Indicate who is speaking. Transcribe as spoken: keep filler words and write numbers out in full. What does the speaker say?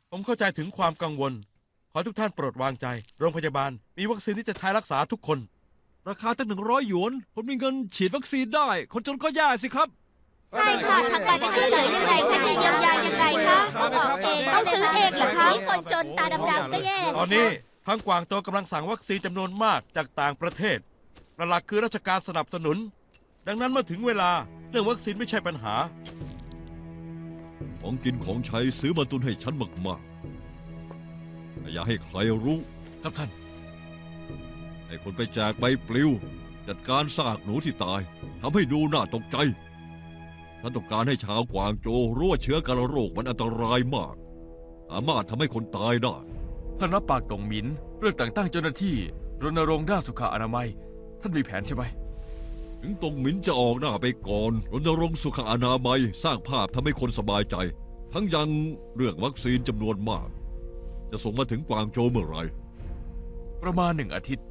Speaker 1: ผมเข้าใจถึงความกังวล ขอทุกท่านโปรดวางใจ โรงพยาบาลมีวัคซีนที่จะใช้รักษาทุกคน
Speaker 2: ราคาตั้งหนึ่งร้อยหยวนผมมีเงินฉีดวัคซีนได้ คนจนก็แย่สิครับ
Speaker 3: ใช่ค่ะทางการจะช่วยเหลือยังไงคะจะเยียวยายังไงคะต้องออกเองต้องซื้อเองเหรอคะคนจนตาดำๆก็แย่
Speaker 1: ตอนนี้ทางกวางโจวกำลังสั่งวัคซีนจำนวนมากจากต่างประเทศหลักๆคือราชการสนับสนุน ดังนั้นเมื่อถึงเวลาเรื่องวัคซีนไม่ใช่ปัญหา
Speaker 2: ของกินของใช้ซื้อมาตุนให้ฉันมากๆอย่าให้ใครรู้
Speaker 4: ครับท่าน
Speaker 2: ให้คนไปแจกใบปลิว จัดการซากหนูที่ตายทำให้ดูน่าตกใจฉันต้องการให้ชาวกวางโจวรู้ว่าเชื้อการโรคมันอันตรายมากสามารถทำให้คนตายได้
Speaker 4: ท่านรับปากตงหมินเรื่องแต่งตั้งเจ้าหน้าที่รณรงค์ด้านสุขอนามัย ท่านมีแผนใช่ไหม
Speaker 2: ถึงตงหมินจะออกหน้าไปก่อนรณรงค์สุขอนามัยสร้างภาพทำให้คนสบายใจ ทั้งยังเรื่องวัคซีนจำนวนมาก จะส่งมาถึงกวางโจวเมื่อไหร่
Speaker 4: ประมาณหนึ่งอาทิตย์